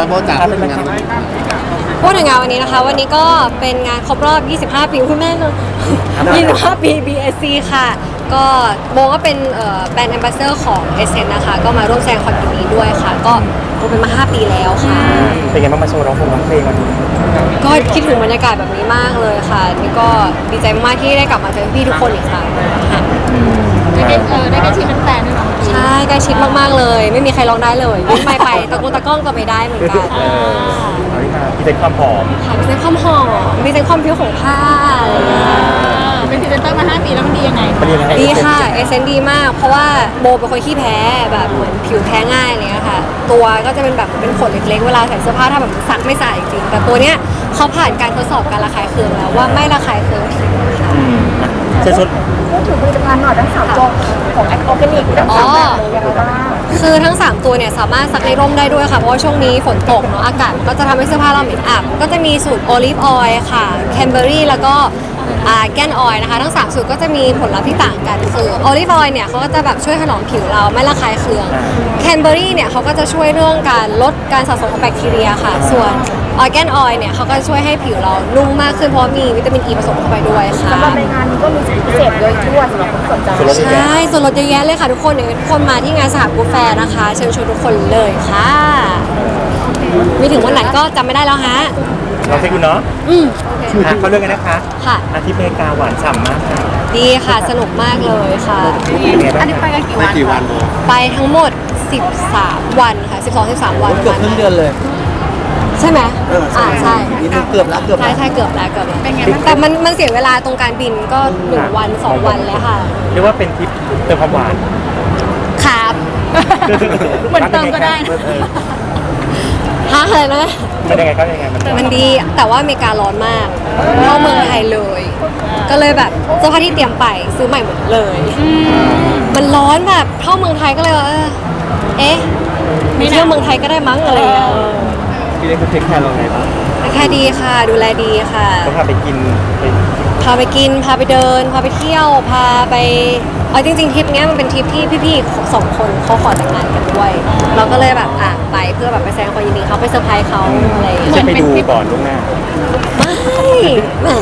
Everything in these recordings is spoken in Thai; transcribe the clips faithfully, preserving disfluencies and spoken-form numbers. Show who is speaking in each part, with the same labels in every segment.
Speaker 1: โบจ๋าเป็นงาน
Speaker 2: พูดถึงงานวันนี้นะคะวันนี้ก็เป็นงานครบรอบ ยี่สิบห้า ปีคุณแม่เนอะ ยี่สิบห้า ปี บี เอส ซี ค่ะก็โบก็เป็นแบรนด์แอมบาสเดอร์ของ เอส เอ็น นะคะก็มาร่วมแสดงความยินดีด้วยค่ะก็โบเป็นมา ห้า ปีแล้วค่ะ
Speaker 3: เป็นไงบ้างมาโชว์ร้องเพลงร้องเพลงวันนี้
Speaker 2: ก็คิดถึงบรรยากาศแบบนี้มากเลยค่ะนี่ก็ดีใจมากที่ได้กลับมาเจอพี่ทุกคนอีกครั้งค่ะ
Speaker 4: ได้ใกล้เออได้ใกล้ชิดแฟนๆด้วยเนาะ
Speaker 2: ใช่ใกล้ชิดมากๆเลยไม่มีใครร้องได้เลยยิ่งไม่ไปตะกุกตะก้องก็ไม่ได้เหมือนกัน
Speaker 3: เอาที่มาพี่เป็นความหอม
Speaker 2: ค่ะพี่เป็นความหอมพี่เป็นความผิวของผ้าอะไรอย่างเงี้ย
Speaker 4: เป็นพรีเซนเตอร์มาห้าปีแล้วมันดียังไง
Speaker 2: ดีค่ะเอเซนดีมากเพราะว่าโบเป็นคนขี้แพ้แบบเหมือนผิวแพ้ง่ายอะไรเงี้ยค่ะตัวก็จะเป็นแบบเป็นขนเล็กๆเวลาใส่เสื้อผ้าถ้าแบบซักไม่ใส่จริงแต่ตัวเนี้ยเขาผ่านการทดสอบการระคายเคืองแล้วว่าไม่ระคายเคืองผิวค่ะ
Speaker 3: เชิญชวน
Speaker 4: พูดถึงผลิตภัณฑ์หน่อยทั้งสามตัวของแอคออร์แกนิกทั้งสามแบบเลยยังไงบ้าง
Speaker 2: คือทั้งสามตัวเนี่ยสามารถซักในร่มได้ด้วยค่ะเพราะว่าช่วงนี้ฝนตกเนาะอากาศก็จะทำให้เสื้อผ้าเราเหม็นอับก็จะมีสูตรโอลิฟออยล์ค่ะแคนเบอรี่แล้วก็แกนออยล์นะคะทั้งสามสูตรก็จะมีผลลัพธ์ที่ต่างกันคือโอลิฟออยล์เนี่ยเขาก็จะแบบช่วยถนอมผิวเราไม่ระคายเคืองแคนเบอรี่เนี่ยเขาก็จะช่วยเรื่องการลดการสะสมของแบคทีเรียค่ะส่วนออร์แกนออยล์เนี่ยเขาก็ช่วยให้ผิวเรานุ่มมากขึ้นเพราะมีวิตามินอีผสมเข้าไปด้วยค่ะ
Speaker 4: สำหรับในงานนี้ก็มีสิทธิพิเศษด้วยด้วยสำหรับคนสนใจ
Speaker 2: ใช่ส่วนลดเยอะแยะเลยค่ะทุกคนเดี๋ยวทุกคนมาที่งานสหกูแฟร์นะคะเชิญชวนทุกคนเลยค่ะมีถึงวันไหนก็จำไม่ได้แล้วฮะ
Speaker 3: เราใช่คุณเนาะ
Speaker 2: อืม
Speaker 3: เขาเรื่องกันนะคะ
Speaker 2: ค่ะ
Speaker 3: อาทิตย์อเมริกาหวานฉ่ำมากค่ะ
Speaker 2: ดีค่ะสนุกมากเลยค่ะ
Speaker 4: อันนี้ไปกันกี่วัน
Speaker 1: กี่วัน
Speaker 2: ไปทั้งหมดสิบสามวันค่ะสิบสอง สิบสามวัน
Speaker 1: เกือบครึ่งเดือนเลย
Speaker 2: ใช่ไหมอ่าใช่
Speaker 1: เกือบแล้วเกือบ
Speaker 2: ใช่ใช่เกือบแล้วเกือบแล้วแต่มันมันเสียเวลาตรงการบินก็หนึ่งวันสองวันแล้วค่ะ
Speaker 3: เรียกว่าเป็นทริปเติมความหวาน
Speaker 2: ครับ
Speaker 4: เหมือนเติมก็ได้
Speaker 2: ฮะอะไรนะ
Speaker 3: มันยังไงก็ยังไงมัน
Speaker 2: มันดีแต่ว่าอเมริการ้อนมากเข้าเมืองไทยเลยก็เลยแบบเสื้อผ้าที่เตรียมไปซื้อใหม่หมดเลยมันร้อนแบบเข้าเมืองไทยก็เลยว่าเอ๊ะมีเที่ยวเมืองไทยก็ได้มั้งอะไรอย่างเงี้ย
Speaker 3: พี่เล็กคุณเทคแคร์เราไงบ้าง
Speaker 2: แค่ดีค่ะดูแลดีค่ะ
Speaker 3: ก็พาไปกิน
Speaker 2: พาไปกินพาไปเดินพาไปเที่ยวพาไปเอาจริงๆทริปนี้มันเป็นทริปที่พี่ๆสองคนเขาขอแต่งงานกันด้วยเราก็เลยแบบอ่ะไปเพื่อแบบไปแสดงความยินดีเขาไปเซอร์ไพรส์เขาอะไรอย่างเงี้ย
Speaker 3: จะไปดูก่อนล่วงหน้า
Speaker 2: ไม่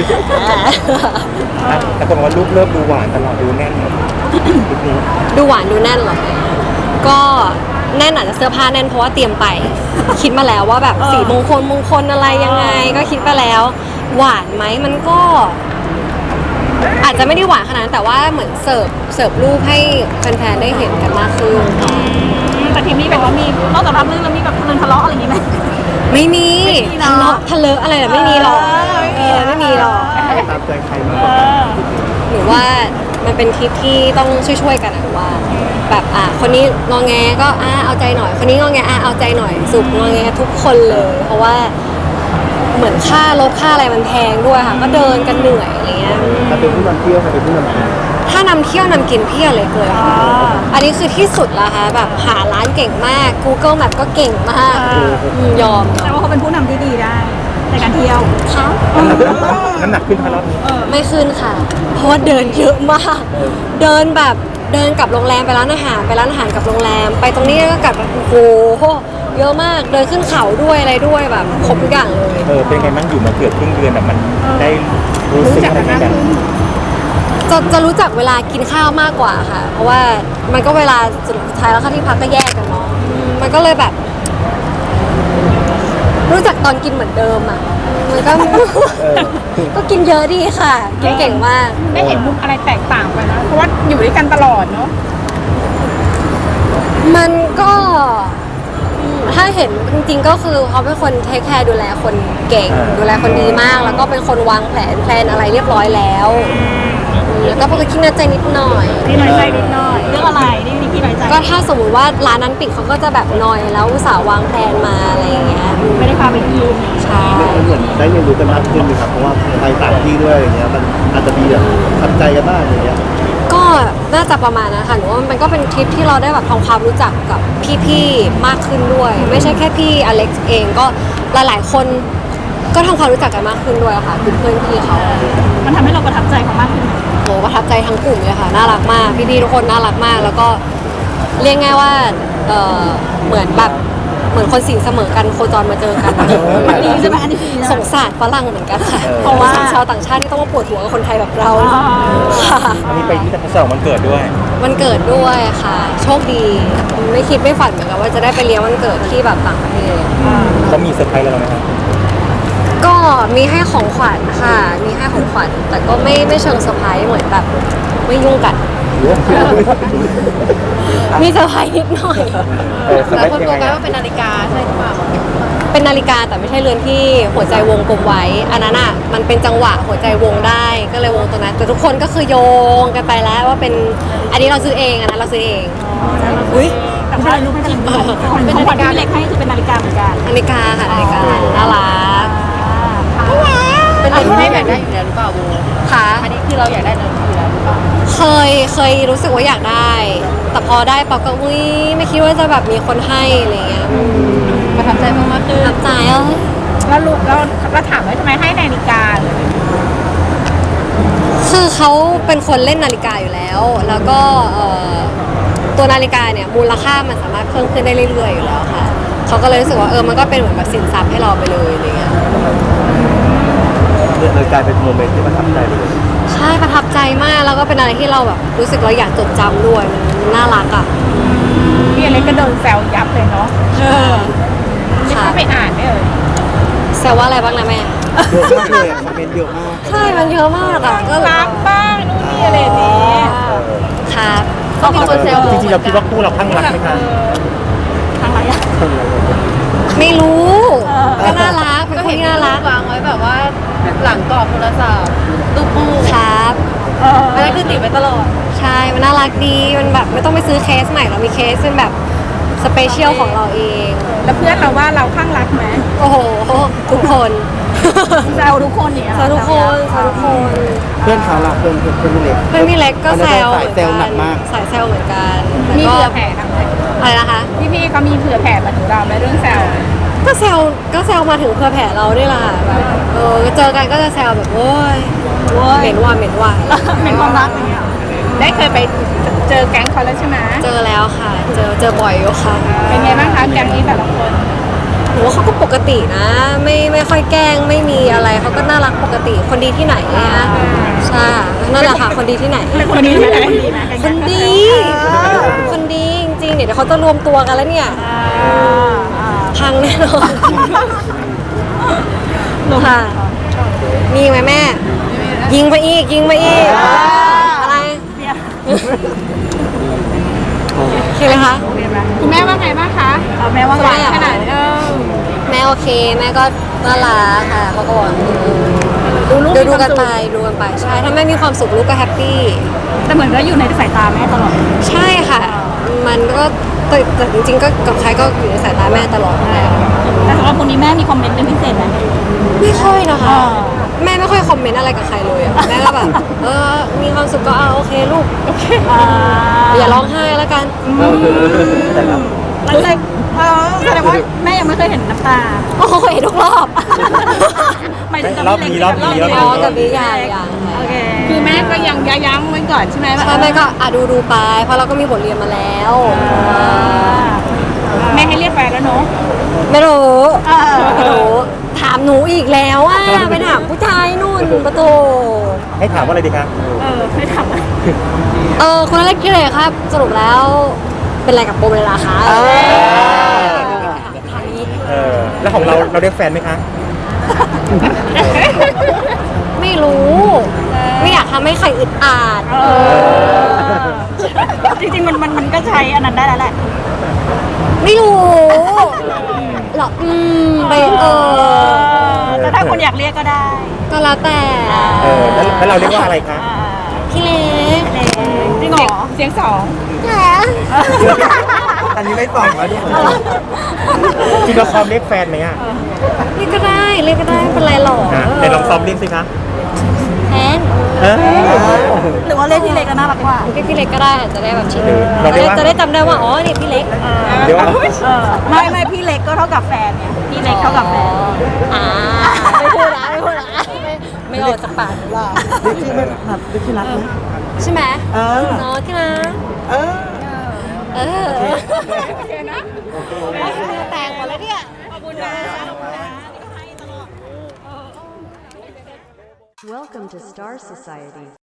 Speaker 3: แต่คนว่ารูปเริ่มดูหวานตลอดดูแน่น
Speaker 2: ดูหวานดูแน่นหรอก็แน่นอาจจะเสื้อผ้าแน่นเพราะว่าเตรียมไปคิดมาแล้วว่าแบบสีมงคลมงคลอะไรยังไงก็คิดไปแล้วหวานไหมมันก็อาจจะไม่ได้หวานขนาดนั้นแต่ว่าเหมือนเสิร์ฟเสิร์ฟรูปให้แฟนๆได้เห็นกันมากขึ้น
Speaker 4: แต่ทีนี้แบบว่ามีนอกจากรับเรื่องแล้วมีแบบทะเลาะอะไรอย่างงี้ไหม
Speaker 2: ไม่มีทะเลาะทะเลาะอะไรแบบไม่มีหรอกเออไม่มีหรอก
Speaker 3: ตามใจใครมา
Speaker 2: หรือว่ามันเป็นทริปที่ต้องช่วยๆกันนะว่าแบบอ่ะคนนี้งอแงก็อ่ะเอาใจหน่อยคนนี้งอแงอ่ะเอาใจหน่อยสุกงอแงทุกคนเลยเพราะว่าเหมือนค่ารถค่าอะไรมันแพงด้วยค่ะก็เดินกันเหนื่อยอะไรเงี้ย
Speaker 3: ถ้าเป็นผู้นำเที่ยวถ้าเป็นผู้นำกิน
Speaker 2: ถ้านำเที่ยวนำกินพี่อะไรเลยค่ะอันนี้คือที่สุดละค่ะแบบหาร้านเก่งมาก Google Map ก็เก่งมากยอม
Speaker 4: แต่ว่าเขาเป็นผู้นำที่ดีได้ในการเที่ยว
Speaker 2: ค่ะ
Speaker 3: น้ำหนักขึ้นค่ะรอบนี้
Speaker 2: ไม่ขึ้นค่ะเพราะว่าเดินเยอะมากเดินแบบเดินกลับโรงแรมไปร้านอาหารไปร้านอาหารกับโรงแรมไปตรงนี้ก็กลับแบบโอ้โหเยอะมากเดินขึ้นเขาด้วยอะไรด้วยแบบครบทุกอย่างเลย
Speaker 3: เออเป็นไงบ้างอยู่มาเกือบครึ่งเดือนแบบมันได้รู้สึกอะไรกัน
Speaker 2: จะจะรู้จักเวลากินข้าวมากกว่าค่ะเพราะว่ามันก็เวลาสุดท้ายแล้วค่ะที่พักก็แยกกันเนาะมันก็เลยแบบรู้จักตอนกินเหมือนเดิมอ่ะมันก็ก็กินเยอะดีค่ะกินเก่งมาก
Speaker 4: ได้เห็นมุมอะไรแตกต่างไปนะเพราะว่าอยู่ด้วยกันตลอดเนาะ
Speaker 2: มันก็ถ้าเห็นจริงๆก็คือเขาเป็นคนเทคแคร์ดูแลคนเก่งดูแลคนดีมากแล้วก็เป็นคนวางแผนแพลนอะไรเรียบร้อยแล้วแล้วก็เป็นคนขี้น้อยใจนิดหน่อย
Speaker 4: ขี้น้อยใจนิดหน่อยเรื่องอะไรนี่นี่ขี้น้อยใจ
Speaker 2: ก็ถ้าสมมติว่าร้านนั้นปิดเขาก็จะแบบนอยแล้วอุตส่าห์วางแผนมาอะไรอย่างเงี้ย
Speaker 4: ไม่ได้พาไปกิน
Speaker 2: ใช่
Speaker 1: เหมือนได้เรียนรู้กันมากขึ้นเลยครับเพราะว่าไปต่างที่ด้วยอย่างเงี้ยมันอาจจะมีแบบทับใจกันบ้างอย่างเงี้ย
Speaker 2: ก็น่าจะประมาณนั้นค่ะหนูว่ามันก็เป็นทริปที่เราได้แบบทำความรู้จักกับพี่ๆมากขึ้นด้วยไม่ใช่แค่พี่อเล็กซ์เองก็หลายๆคนก็ทำความรู้จักกันมากขึ้นด้วยค่ะเพื่อนพี่เขา
Speaker 4: มันทำให้เราประทับใจเขามากขึ้น
Speaker 2: โหประทับใจทั้งกลุ่มเลยค่ะน่ารักมากพี่ๆทุกคนน่ารักมากแล้วก็เรียกง่ายว่าเออเหมือนแบบเหมือนคนสีเสมอกันโคจรมาเจอกัน
Speaker 4: มันดีใช่ไหมอันนี้ดีนะ
Speaker 2: สงสารฝรั่งเหมือนกันค่ะ
Speaker 3: เออ
Speaker 2: เพราะว่าชาวต่างชาติที่ต้องมาปวดหัวกับคนไทยแบบเราค่ะ
Speaker 3: อันนี้ไปที่ทศวรรษวันเกิดด้วย
Speaker 2: วันเกิดด้วยค่ะ โชคดีไม่คิดไม่ฝันเหมือนกันว่าจะได้ไปเลี้ยงวันเกิดที่แบบต่างประเทศ
Speaker 3: เขามีเซอร์ไพรส์อะไรเราไหมครับ
Speaker 2: ก็มีให้ของขวัญค่ะ มีให้ของขวัญแต่ก็ไม่ไม่เชิงเซอร์ไพรส์เหมือนแบบไม่ยุ่งกัน มีเซอร์ไพรส์นิดหน่อย
Speaker 3: เออเซอร์ไพรส์ยังไงอะ
Speaker 2: เป็นนาฬิกาใช่หรือเปล่าเป็นนาฬิกาแต่ไม่ใช่เรือนที่หัวใจวงกลมไว้ อันนั้นอ่ะมันเป็นจังหวะหัวใจวงได้ก็เลยวงตรงนั้น แต่ทุกคนก็คือโยงกันไปแล้วว่าเป็นอันนี้เราซื้อเองอันนั้นเราซื้อเองอุ้ย
Speaker 4: แต่ว่ารู้ไม่จริงเป็นนาฬิกาเล็กให้คือเป็นนาฬิกาเหมือนกัน
Speaker 2: นาฬิกาค่ะนาฬิกาน่ารัก
Speaker 4: เป็นอะไรที่ไม่อยากได้
Speaker 2: ค่ะ
Speaker 4: อันนี้คือเราอยากได้เลยอยู่แล้วหรือเปล่า
Speaker 2: เคยเคยรู้สึกว่าอยากได้ แต่พอได้ปอก็อุ้ยไม่คิดว่าจะแบบมีคนให้อะไรเงี้ย
Speaker 4: ประทับใจมากๆคือ
Speaker 2: ประทับใจอ่ะ
Speaker 4: แล้วลูกเราเราถามว่าทำไมให้นาฬิกาเลย
Speaker 2: คือเขาเป็นคนเล่นนาฬิกาอยู่แล้ว แล้วก็เอ่อตัวนาฬิกาเนี่ยมูลค่ามันสามารถเพิ่มขึ้นได้เรื่อยๆอยู่แล้วค่ะเขาก็เลยรู้สึกว่าเออมันก็เป็นเหมือนแบบสินทรัพย์ให้เราไปเลยอะไรเงี้ย
Speaker 1: เลยกลายเป็นโมเมนต์ที่ประทับใจเลย
Speaker 2: ใช่ประทับใจมากแล้วก็เป็นอะไรที่เราแบบรู้สึกเราอยากจดจำด้วยมันน่ารักอ่ะ
Speaker 4: พี่อเล็กก็โดนแซวยับเลยเนาะไม่
Speaker 2: ค่ะ
Speaker 4: เข้าไปอ่านไม่เอ่ย
Speaker 2: แซวว่าอะไรบ้างนะแม่
Speaker 1: เยอะมากเลยอะคอมเมนต์เยอะมาก
Speaker 2: ใช่มันเยอะมากอ่ะก็
Speaker 4: รักบ้างนู่นนี่อะไรอย่างนี้
Speaker 2: ครับ
Speaker 4: ก็มีคนแซว
Speaker 3: จริงๆเราคิดว่าคู่เราข้างรักไหมคะ
Speaker 4: ทางไรอะ
Speaker 2: ไม่รู้
Speaker 4: เออ
Speaker 2: ก็น่ารักเป็นคนที่น่ารัก
Speaker 5: วางไว้แบบว่าหลังกรอบโทรศัพท์รูปคู่
Speaker 2: ครับ
Speaker 4: เออ
Speaker 5: อันนั้นคือติดไว้ตลอด
Speaker 2: ใช่มันน่ารักดีมันแบบไม่ต้องไปซื้อเคสใหม่เรามีเคสเป็นแบบสเปเชียลของเราเอง
Speaker 4: แล้วเพื่อนเราว่าเราข้างรักไหม
Speaker 2: โอ้โหทุกคน
Speaker 4: แซวทุกคนเนี่ย
Speaker 2: แซวทุกคนแซวทุกคน
Speaker 1: เพื่อนเขาล่ะเพื่อนเพื่อนเพื่อนพี่เล็ก
Speaker 2: เพื่อนพี่เล็กก็แซว
Speaker 1: สายแซวหนักมาก
Speaker 2: สายแซวเหมือนกันแต่
Speaker 4: มี
Speaker 2: ก็
Speaker 4: เผื่อแผ่ทางไหน
Speaker 2: อะไรนะคะ
Speaker 4: พี่พี่ๆเขามีเผื่อแผ่มาถึงเราไหมเรื่องแซว
Speaker 2: ก็แซวก็แซวมาถึงเพื่อแผ่เรานี่แหละค่ะแบบเออเจอกันก็จะแซวแบบโอ้ยเหม็นว่าเหม็นว่า
Speaker 4: เป็นความรักอย่างเงี้ยได้เคยไปเจอแก๊งเขาแล้วใช่ไหม
Speaker 2: เจอแล้วค่ะ เจอเจอบ่อยอยู่ค่ะ
Speaker 4: เป็นไงบ้างคะแก๊งนี้แต่ละคน
Speaker 2: หนูว่าเขาก็ปกตินะ ไม่ไม่ค่อยแกล้งไม่มีอะไรเขาก็น่ารักปกติคนดีที่ไหนเนี่ยใช่นั่นแหละค่ะคนดีที่ไหน
Speaker 4: เป็นคนดีไหมคนดีไหม
Speaker 2: คนดี คนดีจริงๆเดี๋ยวเขาจะรวมตัวกันแล้วเนี่ย
Speaker 4: อ่าอ่า
Speaker 2: พังแน่นอนค่ะมีไหมแม่ ยิงไปอีกยิงไปอีกอะไร
Speaker 4: เนี่ย
Speaker 2: โอเคไหมคะ
Speaker 4: คุณแม่ว่าไงบ้างคะเอาแม่ว่าไงขนาดเออ
Speaker 2: แม่โอเคแม่ก็น่ารักค่ะเขาก็บอก
Speaker 4: ดูลูก
Speaker 2: ดู
Speaker 4: มี
Speaker 2: ดู
Speaker 4: ความ
Speaker 2: กัน
Speaker 4: สุข
Speaker 2: ไปดูกันไปใช่ถ้าแม่มีความสุขลูกก็แฮปปี้
Speaker 4: แต่เหมือนก็อยู่ในสายตาแม่ตลอด
Speaker 2: ใช่ค่ะ มันก็แต่แต่จริงๆก็กับใครก็อยู่ในสายตาแม่ตลอดอยู่แล้ว
Speaker 4: แต่สำหรับคนนี้แม่มีคอมเมนต์เป็นพิเศษไหม
Speaker 2: ไม่ค่อยนะคะ
Speaker 4: อ่า
Speaker 2: แม่ไม่ค่อยคอมเมนต์อะไรกับใครเลยอะแม่ก็แบบเออมีความสุขก็เอาโอเคลูกโอเค
Speaker 4: อ่า
Speaker 2: อย่าร้องไห้แล้วกัน
Speaker 1: แต่ละ
Speaker 4: หลังจากเออแสดงว่าแม่ยังไม่เคยเห็นน้ำตา
Speaker 2: โอ้โหเห็นทุกรอบ
Speaker 4: หมายถึงกับ
Speaker 3: รอบ
Speaker 4: พี่
Speaker 3: นี้
Speaker 4: เล็ก
Speaker 3: รอบนี้รอบ
Speaker 2: อ๋อ
Speaker 3: นี้
Speaker 2: กับนิยายอย่าง
Speaker 4: โอเคคือแม่ก็ยังยั้งไว้ก่อนใช่ไหมว่า
Speaker 2: ใช่แม่ก็อ่ะดูดูไป เพราะเราก็มีบทเรียนมาแล้ว
Speaker 4: อ่าแม่ให้เรียกแฟนแล้วเนาะ
Speaker 2: ไม่รู้
Speaker 4: เออ
Speaker 2: ไม่รู้ถามหนูอีกแล้วอ่ะไปถามผู้ชายนู่นประตู
Speaker 3: ให้ถามว่าอะไรดีคะ
Speaker 4: เออไม่ทำอะ
Speaker 2: เออคุณเล็กที่เลยครับ สรุปแล้วเป็นอะไรกับโบเมลาคะ
Speaker 3: เออแล้วของเราเราเรียกแฟนไหมคะ
Speaker 2: ไม่รู้ ไม่อยากทำให้ใครอึดอัด
Speaker 4: เออจริงๆมันมันมันก็ใช้อันนั้นได้แล้วแหละ
Speaker 2: ไม่รู้หรออืมไปเออ
Speaker 4: แต่ถ้าคนอยากเรียกก็ได้
Speaker 2: ก็แล้วแต่
Speaker 3: เออแล้วแล้วเราเรียกว่าอะไรคะ
Speaker 4: อ่า
Speaker 2: พี่เล็ก
Speaker 4: เล็กจริงเหรอเสียงสอง
Speaker 2: แหม
Speaker 1: อันนี้ไม่ส่องแล้วด้วย
Speaker 3: จริงเราซ้อมเรียกแฟนไหมอ่ะ
Speaker 2: เรียกก็ได้เรียกก็ได้ไม่เป็นไรหรอก
Speaker 3: อ่ะเดี๋ยวลองซ้อมเรียกสิคะ
Speaker 2: แทน
Speaker 3: เออ
Speaker 4: หรือว่าเล่นที่เล็กก็น่ารักกว่า
Speaker 2: เรียกพี่เล็กก็ได้อาจจะได้แบบชิน
Speaker 3: เราเรียกว่า
Speaker 2: จะได้จำได้ว่าอ๋อเนี่ยพี่เล็ก
Speaker 3: เดี๋ยวว่า
Speaker 4: เออไม่ไม่พี่เล็กก็เท่ากับแฟนไงพี่เล็กเท่ากับแฟน
Speaker 2: อ่าไม่พูดนะไม่พูดนะไม่ไม่ออกจากปากหนูหรอก
Speaker 1: เรียกชื่อไม่ถนัดเรียกชื่อรักไหม
Speaker 2: ใช่ไหม
Speaker 1: เออ
Speaker 2: เนาะที่นะ
Speaker 1: เออ
Speaker 2: เออ
Speaker 4: โอเคนะ
Speaker 2: แต่งมาเลยนะเนี่ยขอบคุณนะขอบคุณนะ
Speaker 6: Welcome to Star Society.